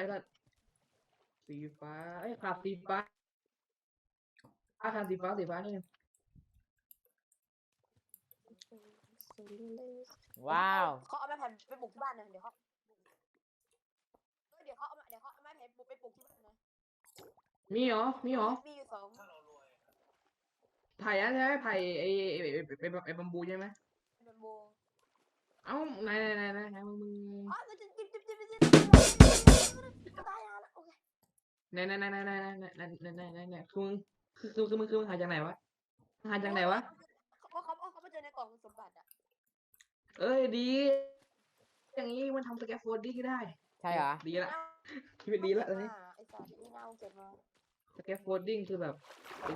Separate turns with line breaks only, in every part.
ละสีฟ้าขาดสีฟ้าขาดสีฟ้านี่
ว้าว
เขาเอาไม้ไผ่ไปปลูกที่บ้านนะเดี๋ยวเขาเอาไม้ไผ่ไปปลูกที่บ้านนะ
มีเหรอ
มีอยู่สอง
ไผ่อะใช่ไหมไผ่ไอ้บัมบูใช่ไหม
เป็นโบ
เอ้าไหนมึง
อ๋อมันจะจิ๊บตายแล้วโอเค
ไหนคือมึงหาจากไหนวะหาจากไหนวะ
เขามาเจอในกล่องสมบัติอ่ะ
เอ้ยดี อย่างนี้มันทำสแกฟโฟลดิ้งได้
ใช่เหรอ
ดีละชีวิตดีละตอนนี้
ไอ้สัตว์นี่น่าเก็บมา
สแกฟโฟลดิ้งคือแบบเป็น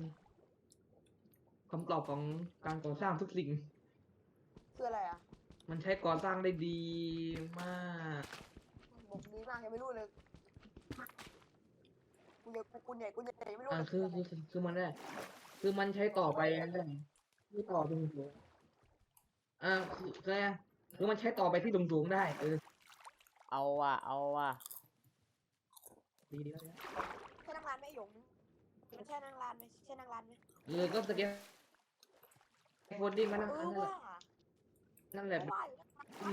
คำตอบของการก่อสร้างทุกสิ่ง
คืออะไรอ่ะ
มันใช้ก่อสร้างได้ดีมาก
บอกดีมากยังไม่รู้เลยกูใหญ่ไม่รู้
คือมันได้คือมันใช้ต่อไปได้คือต่อตรงสูงคือมันใช้ต่อไปที่สูงได้
เอาว่ะ
ดีแล้ว
ใช่นางรานไหมหยงใช่นางรานไหม
ก็สแกฟโฟลดิ้งมันนั่นแหละที่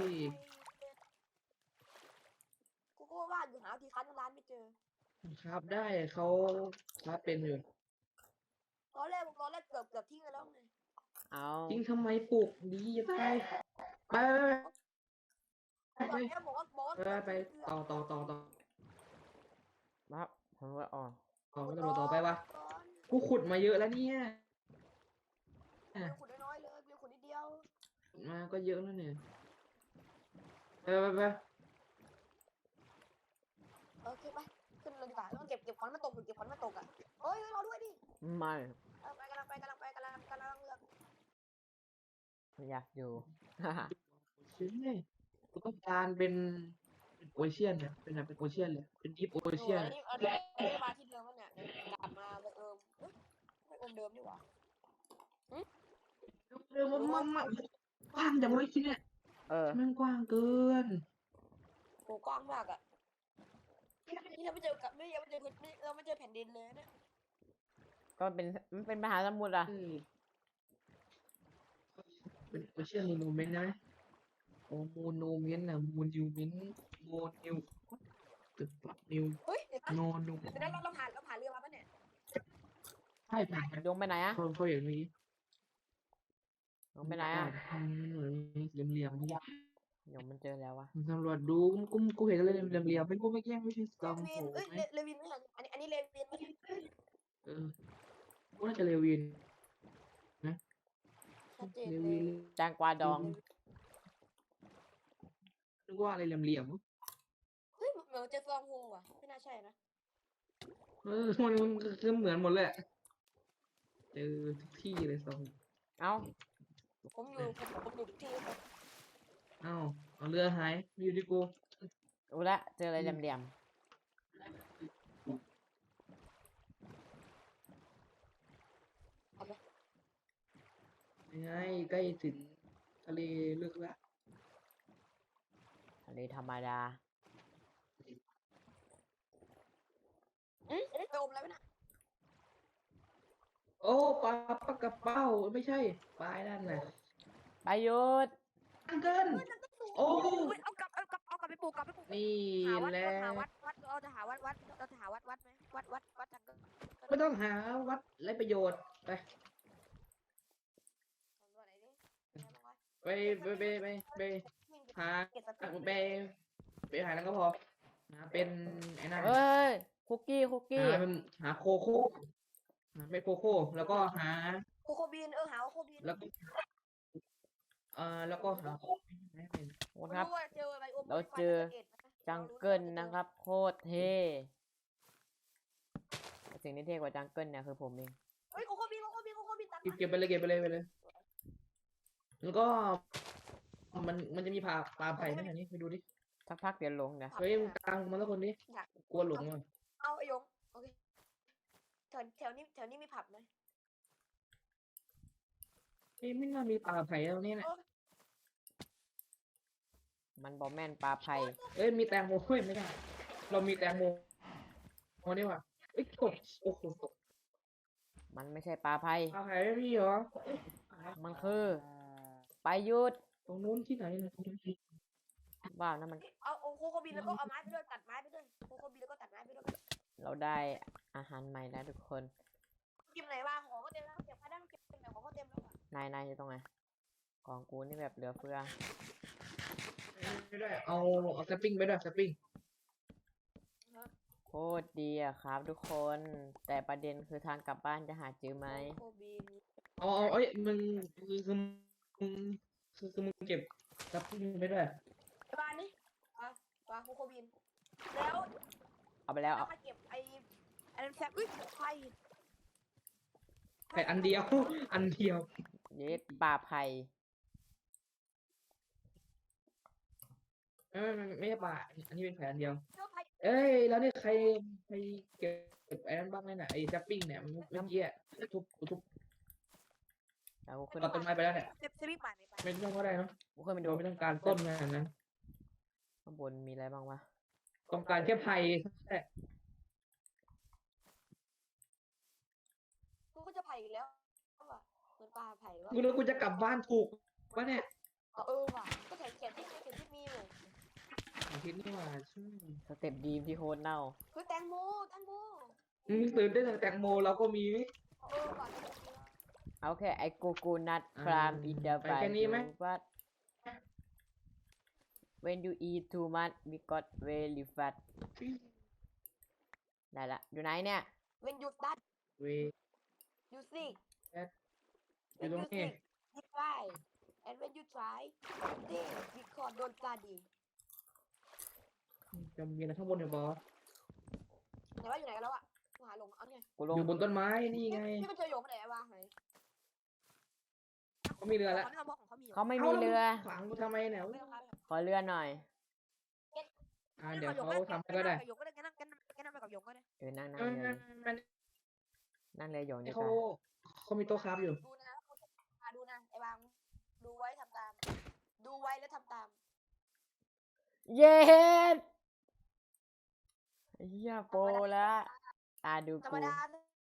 กูก็ว่าอยู่หาที่คันนางรานไม่เจอ
ครับได้เขาครับเป็นอยู่
ตอนแรกเกือบทิ้งไปแล้วไง
เอา
จริงทำไมปลูกดีจะตายไป
บอกว่า
ไปต่อ
ครับผมว่าอ๋อ
ต่อไปวะกูขุดมาเยอะแล้วเนี่ย
ขุดน้อยเลยเพียงขุดนิดเดียว
มาก็เยอะแล้วเนี่ยไป
โอเคไปขึ้นเลยดีกว่าต้องเก็บขวัญมาตกอ่ะเฮ้ยรอด้วยดิ
ไม่
ไปกำลังเลือก
อยากอยู่
ชิ้นเลยกูต้องการเป็นโอเชียนเนี่ยเป็นโอเชียนเลยเป็นดีฟโอเชียน
นี่มาที่เดิมแล้วเนี่ยกลับมาไม่เดิมดีกว่า
มันกว้างจังเลยชิ้นเนี่ยมันกว้างเกิน
โหกว้างมากอ่ะนี่เราไม่เจอแผ่นดินเลยเนี่ย
ก็มันเป็นมหาสมุทรอ่ะ
เป็นโอเชียนโมนูเมนต์นะโอ้โมนูเมนต์นะโมนิวเมนต์โมนิวตึกนิว
เฮ้ยเดี๋ยวนะ
โนนู
เดี๋ยวเราผ่านเรือมาปะเนี่ย
ใช่ผ่าน
ดวงไปไหนอ่ะ
เขาอย่างนี้
ดวงไปไหนอ่ะ
เหลี่ยมๆ
เดี๋ยวมันเจอแล้ววะ
สำรวจดูกูเห็นอะไรเหลี่ยมๆเป็นกูไม่แกล้งไม่ใช่ซองโผล่ไหม
เลวินไม่ทันอันนี้เลวินไม่ทัน
กูน่าจะเลวิน
ชัดเจน
เล
เล
วิ
ย
น
จางกวาดอง
นึกว่าอะไรเหลี่ยม
เฮ้ยเหมือนเจอฟองโฮว่ะไม่น่าใช่นะ
มันคือเหมือนหมดเลยเจอทุกที่เลยซอง
เอา
ผมอยู่ทุกที่
เอาเรือหายอยู่ที่กู
รู้ละเจออะไรเหลี่ยม
ยังไงใกล้ถึงทะเลลึกละ
ทะเลธรรมดา
ไปอมอะไรไปนะ
โอ้ปลากระเป้าไม่ใช่ปลานั่นน่ะ
ประยุทธ์
เกินโอ้
เอากลับไปปลูก
นี่
แหละ
แหละ
เราจะหาวัดไหมวัดทางก็
ไม่ต้องหาวัดไรประโยชน์ไป ไปหาไปหาแล้วก็พอหาเป็นไอ้นั่น
เอ้ยคุกกี้
หาโคโค่เป็นโคโค่แล้วก็หา
โคโคบีนหาโคโคบีน
แล้วก็แล้วก็หา
ครับ เราเจอจังเกิลนะครับโคตรเท่สิ่งที่เท่กว่าจังเกิลเนี่ยคือผมเอง
เฮ้ยโคโคบีนตัด
เก็บไปเลยแล้วก็มันจะมีปลาไผ่ไหมอันนี้ไปดูดิ
สักพักเดี๋ยวลงนะ
เฮ้ยมึงกลางมาแล้วคนนี้กลัวหลงอ่ะ
เอาไอ้ยงโอเคแถวนี้มีผับไหม
เฮ้ยไม่น่ามีปลาไผ่ตรงนี้นะ
มันบอแม่นปลาไผ่
เอ้ยมีแตงโมเฮ้ยไม่ได้มีเรามีแตงโมนี่ว่ะเอ้ยกดโอ้โหตก
มันไม่ใช่ปลาไพ
ปลาไผ่ไม่มีเหรอ
มันคือไปหยุด
ตรงนู้นที่ไหนเนี่ยตรงนู้นที่
ว้าวนั่นมัน
เอาโคโคบินแล้วก็เอาไม้ไปด้วยตัดไม้ไปด้วยโคโคบินแล้วก็ตัดไม้ไปด้วย
เราได้อาหารใหม่แล้วทุกคน
กินไหนบ้างของก็เต็มแล้วเก็บผ้าด้านเก็บเต็มแล้วของก็เต็มแล้วอะ
นายอยู่ตรงไหนของกูนี่แบบเหลือเฟือ
ไม่ได้เอาสปริงไปด้วยสปริง
โคตรดีอะครับทุกคนแต่ประเด็นคือทางกลับบ้านจะหาเจอไหม
โคบิน
เอาเอ้ยมึงมึงมึงเก็บสปริงไปด้วย
ไอ้บ้านนี่ปลาโคโคบินแล้ว
เอาไปแล้ว
แล้วมาเก็บไอ้นั้นแซมอุ้ยไข่
ไผ่อันเดียว อันเดียว
เย็ดปลาไผ่
ไม่ใช่ปลาอันนี้เป็นแผนเดียว
เจ้าไข่
เอ้ยแล้วนี่ใครเก็บไอ้นั้นบ้างไหมน่ะไอ้แซปปิ้งเนี่ยเมื่อกี้อะทุบ
แล้วกูขึ้น
ตัดต้นไม้ไปแล้วเนี่ย
เซฟซี่ป่านไป
ไม่ต้องก็ได้เนาะ
กูขึ้นไปดู
เราไม่ต้องการต้นงานนั้น
ข้างบนมีอะไรบ้างวะ
ต้องการแค่ไผ่แค่
กูก็จะไผ่อีกแล้วว่ะเหมือนปลาไผ่ว่า
กูนึกกูจะกลับบ้านถูกวะเนี่ย
ว่ะก็เขียนที่มีอยู่
อาทิตย์นี่หว่าชื่อ
สเต็ปดีมที่โคตรเน่า
คือแตงโม
ตื่นได้จากแตงโมเราก็มี
ว่ะ
เอาแค่ไอ้กูนัทครามอินเดอร์
ไป
ไบ
แค่นี้ไหม
วัด when you eat too much we got very fat ได้ละอยู่ไหนเนี่ย
when you start
เว
you see
อยู่ตรงนี้
you try and when you try they because don't study
จะมีอะไรข้างบนเนี่ยบอส
ไหนว่าอยู่ไหนกันแล้วอ่ะหาหลงเอาไง
กูลง
อยู่บนต้นไม้นี่ไง
พี่ไปเจอหยงไหนวะไหน
เขามีเรือแล้ว
เขาบอกของเขามี
เขาไม่มีเรือ
ขวางกูทำไมเนี่ย
ขอเรือหน่อย
เดี๋ยวเขาทำให้ก็ได้
หยงก็ได้งั้นนั่งไปกับหยงก็ได้
นั่ง
เออ
เรือ
มัน
นั่งเรือหยงดีก
เขา
ว่า
เขามีโต๊ะคราฟอยู่
ดูนะดูนะไอ้บางดูไว้ทำตามดูไว้แล้วทำตาม
เย็ดเฮียโปรละดู
ธรร
กู
มดา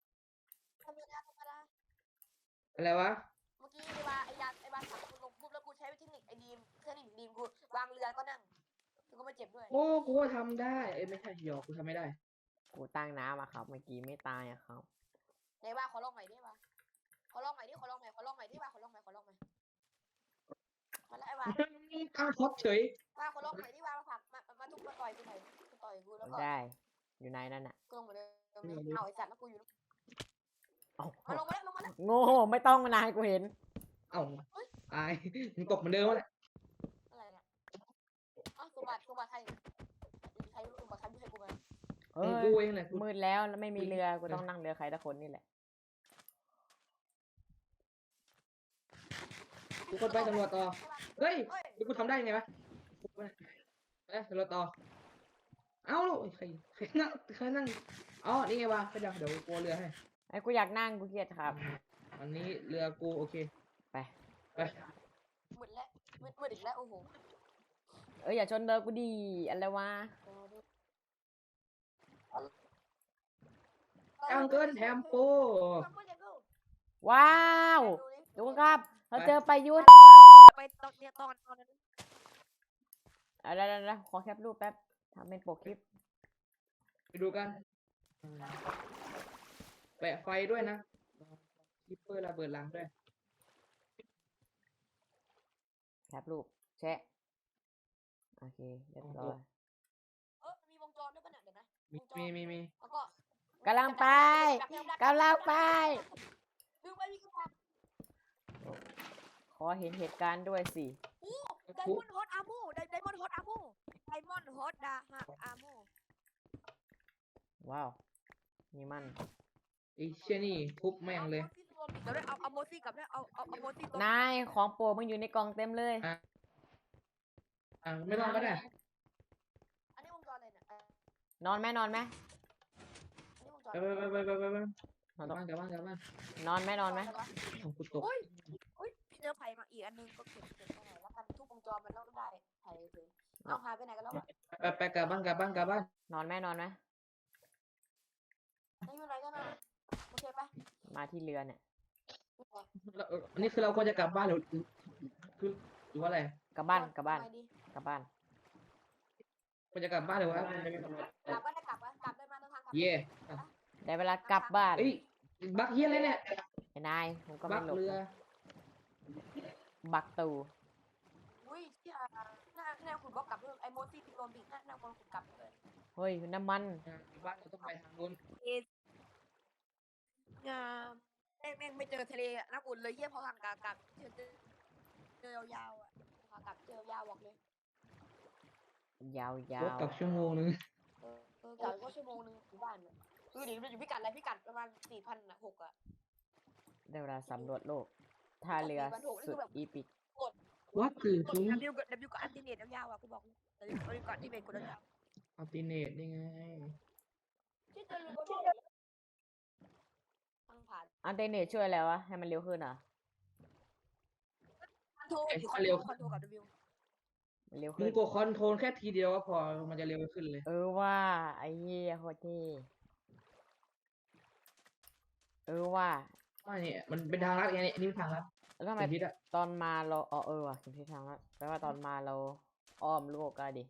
อะไรวะ
เมื่อกี้ไอ้บาสั่งกูลงปุ๊บแล้วกูใช้เทคนิคไอ้ดีมเทคนิคดีมกูวางเรือก็นั่งกูก็ไม่เจ็บด้วย
โอ้กูก็ทำได้เอ้ยไม่ใช่หยอกกูทำไม่ได้
กูตั้งน้ำอะครับ เมื่อกี้ไม่ตายอะครับ
ไหนว่าขอลองใหม่ดิว่าขอลองใหม่ดิว่าขอลองใหม่มาแล้วไอ้ว่า
ตั้งฮอตเฉย
ขอลองใหม่ดิว่ามาผักมาทุบมาต่อยกูหน่อยต่อยกูแล้วก็
ได้อยู่ไหนนั่นอะ
กูลงมาเลยเอาไอ้สัตว์แล้วกูอยู่
เอ้า
มาลงมาแล้ว
โง่ไม่ต้องมานายกูเห็น
เอ้าตายมึงตกเหมือนเดิมวะเนี่ย
อะไรเนี่ยอ้าวสมบัติใครใครสมบัติใครไม่ใช่กูมา
เฮ้ย
กูเองแหละกู
มืดแล้วไม่มีเรือกูต้องนั่งเรือใครสักคนนี่แหละ
กูคนไปตำรวจต่อเฮ้ยเดี๋ยวกูทำได้ไงวะตำรวจต่อเอ้าใครนั่งอ๋อนี่ไงวะไปเดี๋ยวกูเรือให้
ไอ้กูอยากนั่งกูเครียดครับ
อันนี้เรือกูโอเค
ไป
มืดแล้วมืดอีกแล้วโอ้โห
อย่าชนเรือกูดีอะไรวะ
จังเกินแทมโป
ว้าวดูครับ เราเจอประยุทธ์
ไปตอนนั้น
อะไรขอแคปรูปแป๊บทำเป็นปกคลิป
ไปดูกันแปะไฟด้วยนะคิปเปอร์ระเบิดหลังด้วย
แคปรูปแชะโอเคเรียบร้อย
มีวงจรด้วยป่ะเนี่ยเดี๋ยวนะ
มี
แล้วก็
กำลังไป
ดูไปมีกระเป๋า
ขอเห็นเหตุการณ์ด้วยสิ
ไดมอนด์ฮอตอาร์โมไดมอนด์ฮอตอาร์โม
ว้าวนี่มัน
ไอ้เชี่ยนี่ทุบแม่งเลย
เดี๋ยวได้เอาโมซี่กับได้เอาโมซี่
นายของโปรดมึงอยู่ในกล่องเต็มเลย
ไม่ต้องก็ได้
อันนี้วงจรเลยเนี่ย
นอนไหม
อันนี้วงจร
ไป
น
ก
อ
ลั
น
บบ้าน
นอนไหม
ของกูตก
อุ้ยพี่เจอไผ่มาอีกอันนึงก็เก็บไปแล้วกันทุกวงจรมันต้องได้ไผ่เลยเอาหายไปไหนกันแล้วอะ
ไปกลับบ้านกลับบ้านกลับบ้าน
นอนไหมนอนไหม
ไม่อยู่ไหนกันนะโอเคปะ
มาที่เรือเนี่ย
อันนี้คือเราควรจะกลับบ้านหรือคือหรือว่าอะไร
กลับบ้านกลับบ้าน
ทำไมดี
กลับบ้าน
ควรจะกลับบ้านหรือว่า
กลับก็ได้กลับวะกลับได้มาเดินทางกลับ
เย่
ได้เวลากลับบ้าน
เอ้ยบักเฮียอะไรเนี่ย
ไอ้นายผมก็
บั
ไม่
ก
หลบ
เรือ
นะบักตู
อุ้ยเชี่ยหน้าขุดบล็อกกลับด้วยไอ้โมซี่โดนบิดหน้าคนขุดกลับเลย
เฮ้ยน้ำมัน
บ้านเราต้องไปทางนู้น
งามแม่งไม่เจอทะเลอะน่าอุ่นเลยเยี่ยพอทางกลับเจอยาวๆอ่ะพากลับเจอยาวบอกเลย
ยาว
รถกลับชั่วโมงนึง
กลับก็ชั่วโมงนึงถึงบ้านเนี่ยเดี๋ยวอยู่พิกัดอะไรพิกัดประมาณ4,600อ่ะ
ได้เวลาสำรวจโลกท่าเรือสุดอีปิก
วัดคือ
กด W กับอัลติเนตยาวๆอ่ะกูบอกW กับอัลติเนตกดยาว
อัลติเนตนี่ไง
ๆที่เจอรูบทางผ่าน
อันเทอร์เน็ตช่วยแล้ววะให้มันเร็วขึ้นเหรอ
คอนโทรกับ W
มันเร็ว
มึ
ขึ้
ง
น
กดคอนโทรลแค่ทีเดียวก็พอมันจะเร็วขึ้นเลย
ว่าไอ้เหี้ยโคตรเท่ว่า
ว่าเนี่ยมันเป็นทางลัดไงเนี่ยนี่เป็นทางลัด
แล้วทำไม
เป็นทิศอะ
ตอนมาเราว่ะถึงที่ทางแล้วแปลว่าตอนมาเราอ้อมโลกกันดิ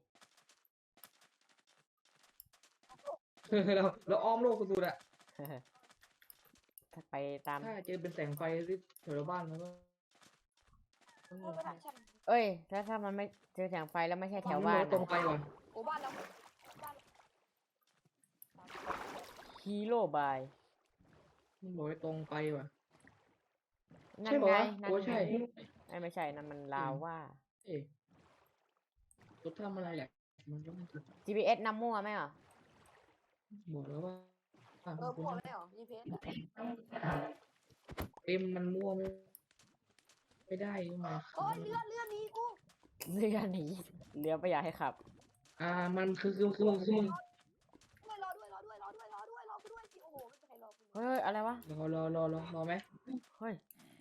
เราอ้อมโลกสุดๆอะ
ถ้าไปตาม
ถ้าเจอเป็นแสงไฟที่แถวบ้านมันก็
ไม่ได้ใช่
เอ้ยถ้ามันไม่เจอแสงไฟแล้วไม่ใช่แถวบ้าน
ตรงไปว่ะ
โอ้บ้านเรา
ฮีโร่บาย
มันบอกให้ตรงไปว่ะ
นั่
ใช่
น
ป่า
ไง
วะ
นั่น
โอ้
ไง
ใช่
ไม่ใช่นั่นมันลาวว่า
เอ๊ะรถทำอะไรแหละมันก็ไม่ถูก
GPS นำมั่วไหมอ่ะ
บอกแล้วว่า
พวกไม่หรอ GPS
เต็มมันมั่วไม่ได้ยังไง
โอ้ยเรือนี้กู
เรือหนีเรือไม่อยากให้ขับ
มันคือมึง
รอด้วยสิโอ้โหไม่มีใครรอกู
เฮ้ยอะไรวะ
รอไหม
เฮ้ย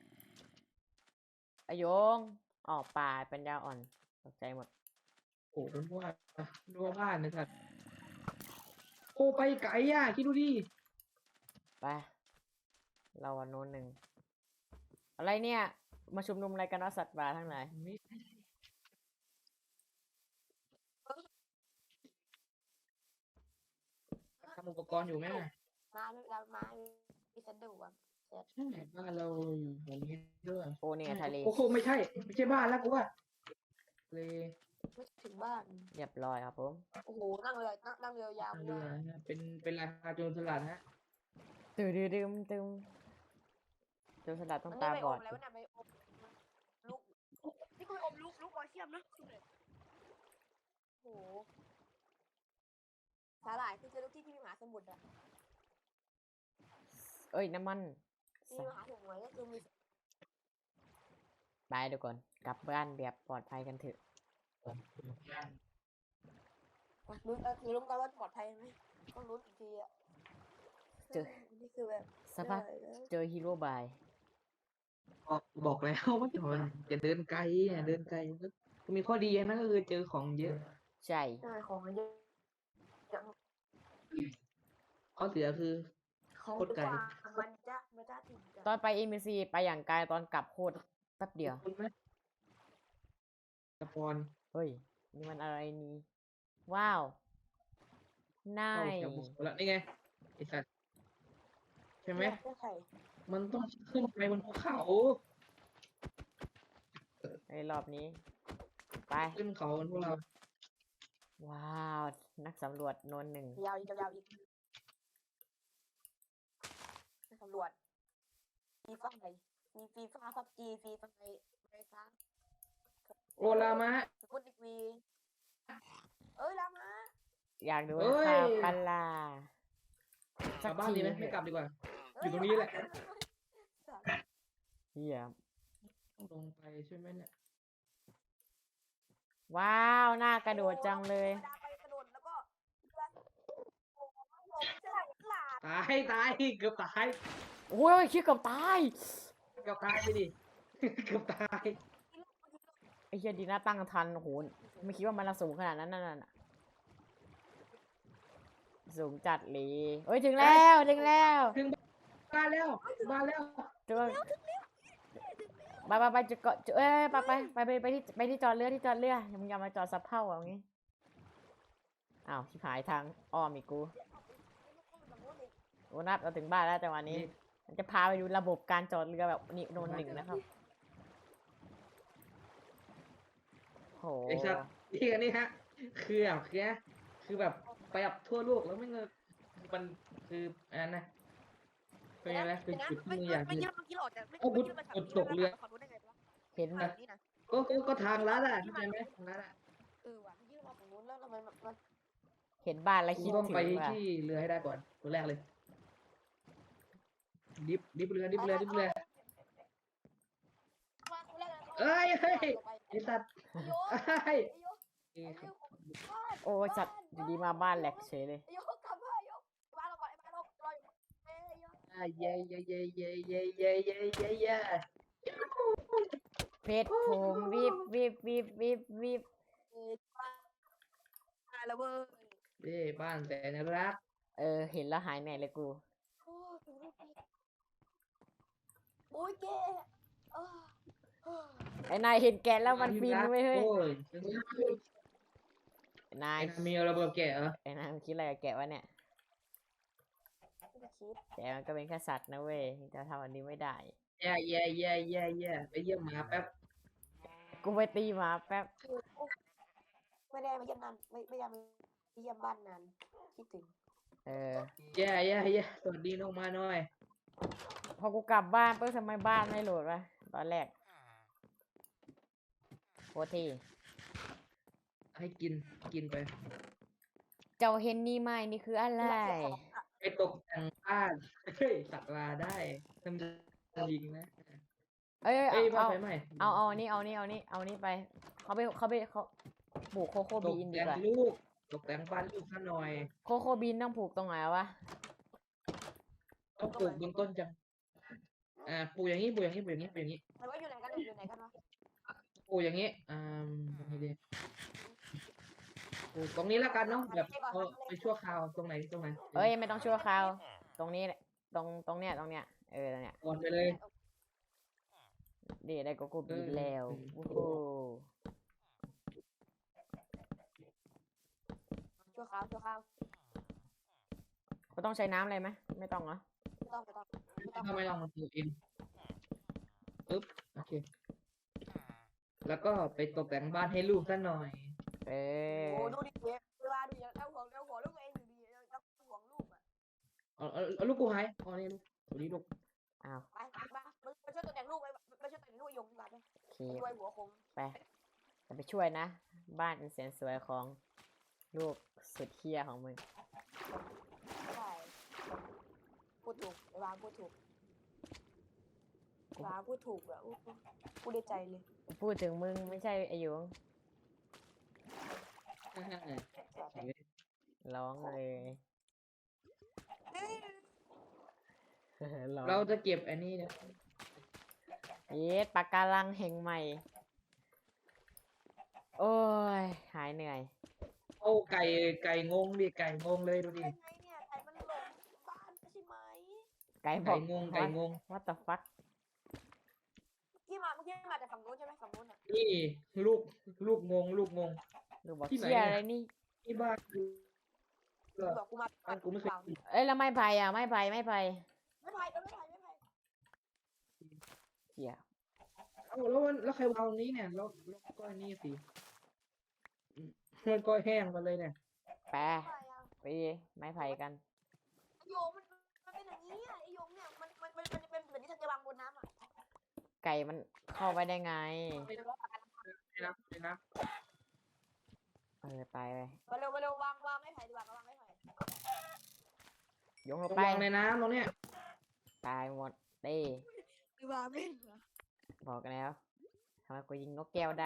ไอโยงออกป่าเป็นยาอ่อนตกใจหมด
โอ้เป็นว่าดูว่าบ้านนะสัตว์โอ้ไปไกลอ่ะคิดดูดิ
ไปเราวันโน้นหนึ่งอะไรเนี่ยมาชุมนุมอะไรกันวะสัตว์ป่าทั้งหลาย
ไม่ทำอุปกรณ์อยู่ไหมอ่ะ
มามีสันดูอ่ะ
ใช่บ้านเราอยู่แถวนี้ด้วย
โอ้เนี่ยทะเล
โอ้โหไม่ใช่บ้านแล้วกูว่าเลย
ไม่ถึงบ้าน
เรียบร้อยครับผม
โอ้โหนั่งเรือยาว
เรือนะเป็นราคาโจรสลัดฮะ
ตื่นตึมโจรสลัดต้องตาบอด
แล้วเนี่ยไปอมลูกนี่กูอมลูกบอลเทียมนะโอ้โหสาหร่ายคือเจอทุกที่ที่มีมหาสมุทรอ่ะ
เอ้ยน้ำมัน
มีมหาสมุทรก็คือมี
ไปเดี๋ยวก่อนกลับบ้านแบบปลอดภัยกันเถอะ
รู้กันว่าปลอดภัยไหมต้องรู้อีกทีอ่ะนี่คือแบบ
สักพักเจอฮีโร่บาย
บอกแล้วว่าจะเดินไกลเนี่ยเดินไกลก็มีข้อดีอย่างนั้นก็คือเจอของเยอะ
ใช่
ใช่ของมันเยอะ
ข้อเสียคือ
ของ
โคตรไกล
มันจะถึง
ตอนไปเอ็มซีไปอย่างไกลตอนกลับโคตรแป๊บเดียว
คุณไหมสปอน
เฮ้ยนี่มันอะไรนี่ว้าวน่า
เข้าย แถวบุกแล้วนี่ไงไอสัตว์ใช่ไหม
ใช่
มันต้องขึ้นไปบนภูเขา
ในรอบนี้ ไป
ขึ้นเขากันพวกเรา
ว้าวนักสำรวจโนนหนึ่ง
ยาวอีกสำรวจฟีฟ่าไหนมีฟีฟ่าพับจีฟีฟ่าไหนอะไรคะ
โอลามะ
สกุลอีกวีลามา
อยากดู
เอ้ย
ข่าวปลาก
ลับบ้านดีไหมไม่กลับดีกว่า อยู่ตรงนี้แหละ
เฮีย
ต้องลงไปใช่ไหมเนี่ย
ว้าวน่ากระโดดจังเลย
ไปกระโดดแล้วก็หลาด
ตายเกือบตาย
โอ้ยคิดกับตาย
เกือบตายไปดิ เกือบตาย
ไอ้เฮียดีน่าตั้งทันโอ้โห
โอ้โห
ไม่คิดว่ามันจะสูงขนาดนั้นน่ะสูงจัดเลยเฮ้ยถึงแล้วถึงแล้ว
ถึงบ้านแล้วบ้านแล้ว
จุดไปจุดเกาะจุดไปที่จอดเรือที่จอดเรือมึงอย่ามาจอดสับเผ่าอย่างงี้อ้าวชิบหายทางอ้อมอีกกูโอ้นัดเราถึงบ้านแล้วจังหวะนี้มันจะพาไปดูระบบการจอดเรือแบบนี่โนนหนึ่งนะครับโห
ไอ้สัตว์ที่อันนี้ฮะคือแบบไปแบบทั่วโลกแล้วไม่เงินมันคืออันนั้นนะเป็นไงนะคือจุดที่มึงอยาก
ไม่ยืดเมื่อกี้หลอดแต่ไม่
เอาบุตร
ไม่
บุตรตกเรือ
ฝั่งนู้นได้ไงวะ
เห็น
ฝั่งนี้นะ
ก็ทางลัดอ่ะเข้าใจไหมทางลัดอ่ะ
ว่ะยืดมาฝั่งนู้นแล้วทำไมมัน
เห็นบ้านแล้ว
กู
คิด
ต้อง
ถึง
ไป
ว่ะ
ที่เรือให้ได้ก่อนตัวแรกเลยดิฟเรือเอ้ยเฮ้ยไอ้สัตว์ไอ้เอ้ย
โอ้ยจัดอยู่ดีมาบ้านแหลกเฉยเลย
โยกกลับมาโยกบ้านเราก่อนไอ้บ้านเรารออยู่โย
เย้
เพชรผมวิบ
ตายแล้วเว้ย
เย้บ้านแต่นรัก
เห็นแล้วหายเหนื่อยเลยกู
โอ้ยแก
ไอ้นายเห็นแกะแล้วมันฟินไหมเฮ้ย
โอ้ย
ไอ้นาย
มีระเบิดแกะเหรอ
ไอ้นายมันคิดอะไรกับแกะวะเนี่ยแกะมันก็เป็นแค่สัตว์นะเว้ยจะทำอันนี้ไม่ได้
แย่ไปเยี่ยมหมาแป๊บ
กูไปตีหมาแป๊บ
ไม่ได้มาเยี่ยมนานไม่ได้มาเยี่ยมบ้านนานคิดถึง
แย่สวัสดีน้องมาหน่อย
พอกูกลับบ้านปุ๊บทำไมบ้านไม่โหลดวะตอนแรกโคตรที่
ให้กินไป
เจ้าเห็นนี่ไหมนี่คืออะไร
ไปตกแต่งบ้านเฮ้ยสัตว์ลาได้ทำยิงนะ
เอ้ย
เอ้ยบ้าน
เอา
ไฟไหม้
เอานี่ไปเขาปลูกโคโค่
ตก
บีนดี
แต่ง
กว่า
ลูกตกแต่งบ้านลูกซะหน่อย
โคโค่บีนต้องปลูกตรงไหนวะ
ต้องปลูกบนต้นจังปลูกอย่างนี้
แต่ว่าอยู่ไหนกันวะ
ปลูกอย่างนี้ยังไงดีปลูกตรงนี้แล้วกันเนาะแบบเอาไปชั่วคราวตรงไหน
เอ้ยไม่ต้องชั่วคราวตรงนี้แหละตรงเนี้ยตรงเนี้ยเนี่ย
ก่อนไปเลย
ดีได้โคโค่บีนแล้ว
เออ
โอ้โห
ชั่วคราว
เขาต้องใช้น้ำอะไรไหมไม่ต้องเหรอ
ไม่ต้อง
ทำไมลองมาปลูกเองปึ๊บโอเค แล้วก็ไปตกแต่งบ้านให้ลูกซะหน่อย
โอ้ดูดิเวลาดูอย่างเอาหัวลูกเองอยู่ดีเอาห่วงลูกอ่ะ
เอาลูกกูหายอ๋อนี่ลูกตัวนี้ลูก
อ้าว
ไปช่วยตัวแต่งลูกไปช่วยแต่งลูกยงดีกว่าไหม
โอเค
ช่วยหัวคง
ไปจะไปช่วยนะ บ้านอันแสนสวยของลูกสุดเฮี้ยของมึง
ใช่พูดถูกวางพูดถูกอ่ะพูดได้ใจเลย
พูดถึงมึงไม่ใช่ไอายุงร้องเลย ร้อง
เราจะเก็บอันนี้นะ
เย็ดปากการังแห่งใหม่ โอ้ย หายเหนื่อย
โอ้ไก่งงดิไก่งงเลยดูดิ
เป็นไงเนี่ยไก่มันหลงบ้านใช่ไหม
ไก่บ
ไก่
อก
งง
What the fuck
เมื่อกี้มาจากฝั่งนู้นใช่ไหมฝั่งนู้นอ่ะ
นี่ลูกงง
ลูกบอก
ที่ไหน
เชี่ย
เนี่ย
อะไรนี่
ที่บ้านกู
บอกกูมา
บ้านกูไม่เคยกิน
เอ้ยแล้วไม่ไปอ่ะไม่ไป
ไม่ไผ่
เหี้ย
เอ้าแล้วใครวางตรงนี้เนี่ยแล้วก็อันนี้สิมันก็แห้งมาเลยเนี่ย
ไปไปไม้ไผ่กัน
โยมมันเป็นอย่างนี้อ่ะไอโยมเนี่ยมันเป็นเหมือนที่ฉันจะวางบนน้ำอ่ะ
ไก่มันเข้าไปได้ไง
ไม่นะ
ไป
มาเร็ววางไม่ไผ่ดีกว่าวางไม่ไผ่
ยงลง
ต้อง
ไป
วางในน้ำตรงเนี้ย
ตายหมดเต้
วางไม่เหรอ
บอกกันแล้วทำไมกูยิงนกแก้วได้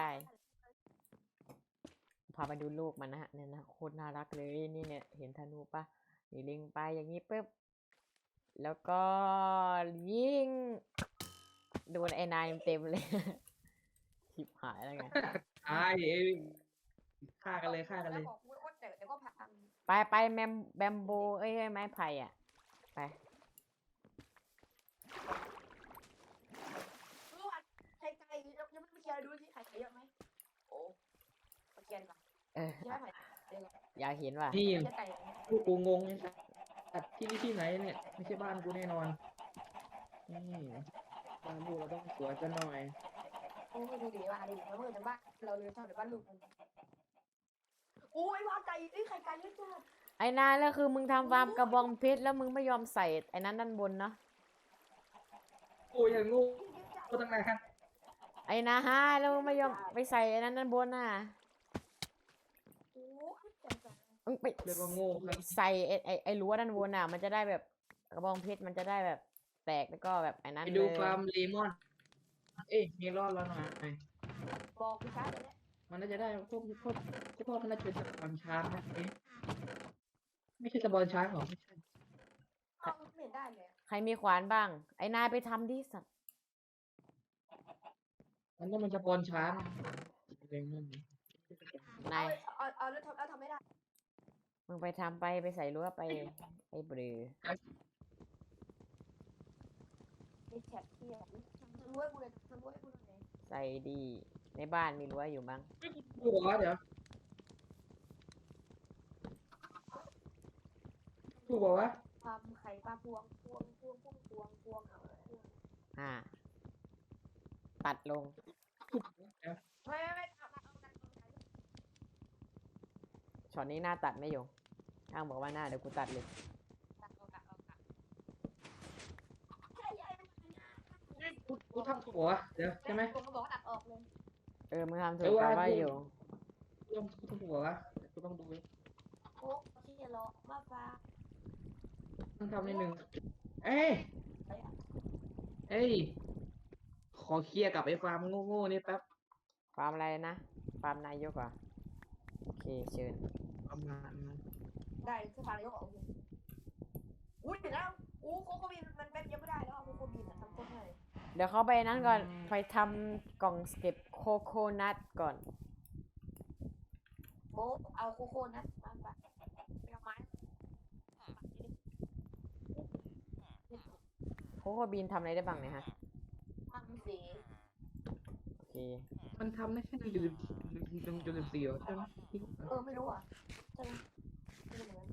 พาไปดูลูกมันนะฮะเนี่ยนะโคตรน่ารักเลยนี่เนี่ยเห็นธนูปะนี่ลิงไปอย่างนี้ปุ๊บแล้วก็ยิงโดนไอ้นายเต็มเลย ชิบหายแล้วไง
ตายฆ่ากันเลยฆ่ากันเลย
แล้วบอกกูว่าเดี๋ยวก็พัง
ไปแบมโบเอ้ยไม้ไผ่อ่ะไป
รู้ว่าไข่ไก่ยังไม่เคลียร์ดูสิไข่ไก่เยอะไหมโอ้มาเคลียร์ดีกว่า
เออ
เคลียร์ไข่เดี๋ยว
อยากเห็นว่ะ
นี่
เคลียร์ไก่
พวกกูงงเลยสัตว์ที่นี่ที่ไหนเนี่ยไม่ใช่บ้านกูแน่นอนนี่บ้านลูกเราต้องสวยกันหน่อย
โอ้ยดูดิว่าดิแล้วเมื่อจะบ้านเราเลยชอบเดี๋ยวบ้านลูกมันโอ้ยว่าไก่ไอ้ไข่ไก่เยอะจัง
ไอ้นายแล้วคือมึงทำฟาร์มกระบองเพชรแล้วมึงไม่ยอมใส่ไอ้นั้นด้านบนเนาะ
กูยังงูกูตั้งนาน
ไอ้นาฮะแล้วมึงไม่ยอมไปใส่ไอ้นั้นด้านบนน่ะ
โอ้ยจังจัง
มึงไป
เรียกว่าโง่ครับ
ใส่ไอ้รั้วด้านบนน่ะ มันจะได้แบบกระบองเพชรมันจะได้แบบแตกแล้วก็แบบไอ้นั้น
ไป
เล
ดู
ย
ฟาร์มเลมอน เอ้ยมีรอดแล้วหน่อย
บอกกูช้าเลยเนี่ย
มันน่าจะได้พวกมันน่าจะเป็นสปอนช้างนะเอ๊ะไม่ใช่สปอนช้างหรอไม่ใช่
เอาไม่เห็นได้เลย
ใครมีขวานบ้าง ไอ้นายไปทำดิสัตว์
มันต้องเป็นสปอนช้างเรื่องนั้น
นาย
เอาแล้วทำไม่ได้
มึงไปทำไปใส่รั้วไปไอ้เบลอ
ไม่แฉะเที่ยทำรั้วกูเลยทำรั้วให้กูหน่อย
ใส่ดีในบ้านมีรั้วอยู่มั้ง
หัวเดี๋ยวถูกบอกว่า
ทำไข่ปลาพวง
อ่า ตัดลง
ไม่ทำ
ช็อตนี้หน้าตัดไม่อยู่ช่างบอกว่าหน้าเดี๋ยวกูตัดเลย
กูทำถูกวะเดี๋ยวใช่ไหม
ผมก็บอกว่าตัดออกเลย
เออมึงทำถู
เอก อ
แต่
ว่า
ว่า
กู
อยู่
กูทำถูกวะกูต้องดู
โอ้ที่จะรอมาฟ้า
ต้องทำนิดนึงเอ้ยเอ้ยขอเคลียร์กับไอ้ฟาร์มโง่ๆนี่แป๊บ
ฟาร์มอะไรนะ ฟาร์มนายกเหรอ่ะโอเคเชิญ
ประมาณนั้น
ได้สภาเลยก็ออกอุ้ยเดี๋ยวแล้วอู้โคโคบินมันเป็นยังไม่ได้แล้วโคโคบินอ่ะทำโคตรง่าย
เดี๋ยวเขาไปนั้นก่อน ไปทำกล่องเก็บโคโคนัทก่อน
โอ้เอาโคโค่นะมาไปเป็นไม้
โคโคบีนทำอะไรได้บ้างเนี่ยฮะ
ทำสี
โอเค
มันทำได้แค่จุดสี่เหรอใช่ไหม
ไม่รู้อ่ะใช่ไหมไม่รู้เหมือนกัน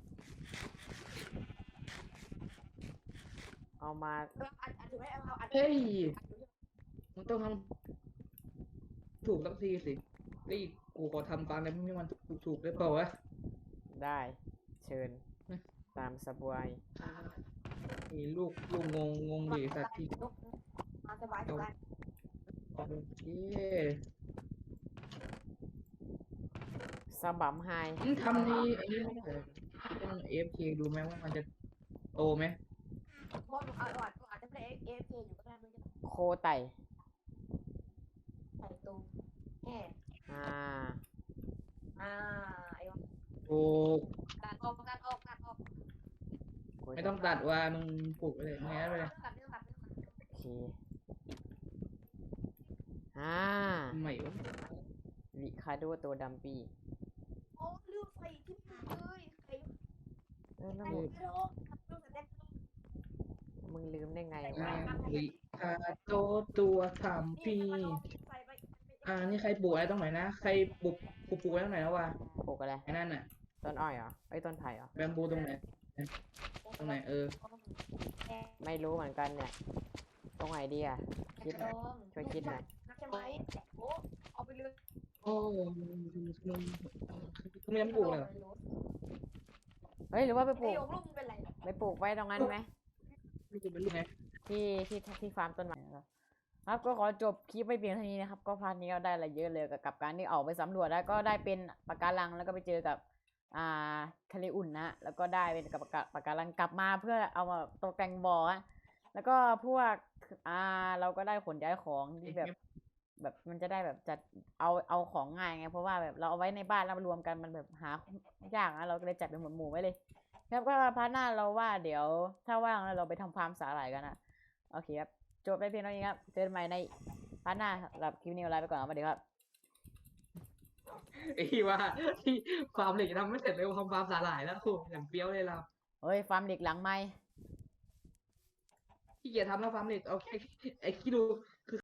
เอามา
อัดถือไว้เอาอัด
เฮ้ยมันต้องทำถูกสักทีสิไอ้ยกูขอทำตามอะไรไม่มันถูกได้เปล่าวะ
ได้ เชิญ ตามสบาย
มีลูกงงดิสัตว์ที่
มาสบาย
โอเค
สบัมไฮ
มึงทำนี่ไอ้นี่ไม่ได้เหรอต้อง AFK ดูไหมว่ามันจะโตไหม
เพราะอาจจะเป็นเอฟอยู่ก็ได้ไม่ใช่
โคไต่
ใส่ตูแง่
อ่า
ไอ้วะ
ถูก
ตัดออก
ไม่ต้องตัดว่ามึงปลูกไปเลยงั้นไปเลย
ตัดไม่ต้องตัด
โอเค อ่า
ทำไมวะ
ริคาโดตัวดัมปี้
โอ้ลืมใส่ที่มือเลยใส่
เออแล้ว
ใส่
มึง
ไม่ลงลืมใส่แดง
มึงลืมได้ไงวะ
ลิคาโตตัวทำ
นี่
พี่
ใส่ไป
นี่ใครปลูกอะไรตรงไหนนะใครปลูกไว้ตรงไหนนะวะ
ปลูกอะไร
ไอ้นั่นน่ะ
ต้นอ้อยเหรอไอ้ยต้นไผ่เหรอ
แบมบูตรงไหนตรงไหน
ไม่รู้เหมือนกันเนี่ย ตรงไหนดีอ่ะ คิดหน่อย ช่วยคิดหน่อย
นักใช่ไหมโอ้เอาไปเลย
โอ้มึงยังไม่ปลูกเลยเหรอ
เฮ้ย หรือว่าไปปลู
ไอ้
ก
ยงลูกมึงเป็นไร
ไปปลูกไว้ตรงนั้นไหม
ลูกเป็นลูกไง
ที่ฟาร์มต้นไม้ครับครับก็ขอจบคลิปไปเพียงเท่านี้นะครับ ก็พาร์ทนี้ก็ได้อะไรเยอะเลยกับการที่ออกไปสำรวจแล้วก็ได้เป็นปะการังแล้วก็ไปเจอกับทะเลอุ่นนะแล้วก็ได้เป็นกับปะการังกลับมาเพื่อเอามาตกแต่งบ่ออะแล้วก็พวกเราก็ได้ขนย้ายของที่แบบมันจะได้แบบจัดเอาของง่ายไงเพราะว่าแบบเราเอาไว้ในบ้านแล้วมารวมกันมันแบบหายากนะเราก็เลยจัดเป็นหมวดหมู่ไว้เลยครับก็พาร์ทหน้าเราว่าเดี๋ยวถ้าว่างแล้วเราไปทำฟาร์มสาหร่ายกันนะโอเคครับจบไปเพียงเท่านี้ครับเจอกันใหม่ในพาร์ทหน้าสำหรับคลิปนี้ลาไปก่อนครับสวัสดีครับ
ไอ้ว่าที่ฟาร์มเหล็กทำไม่เสร็จเลยทำฟาร์มสาหร่ายแล้วโอ้อย่างเปรี้ยวเลยเรา
เฮ้ยฟาร์มเหล็กหลังไม้
ขี้เกียจทำแล้วฟาร์มเหล็กโอเคไอ้คิดดูคือ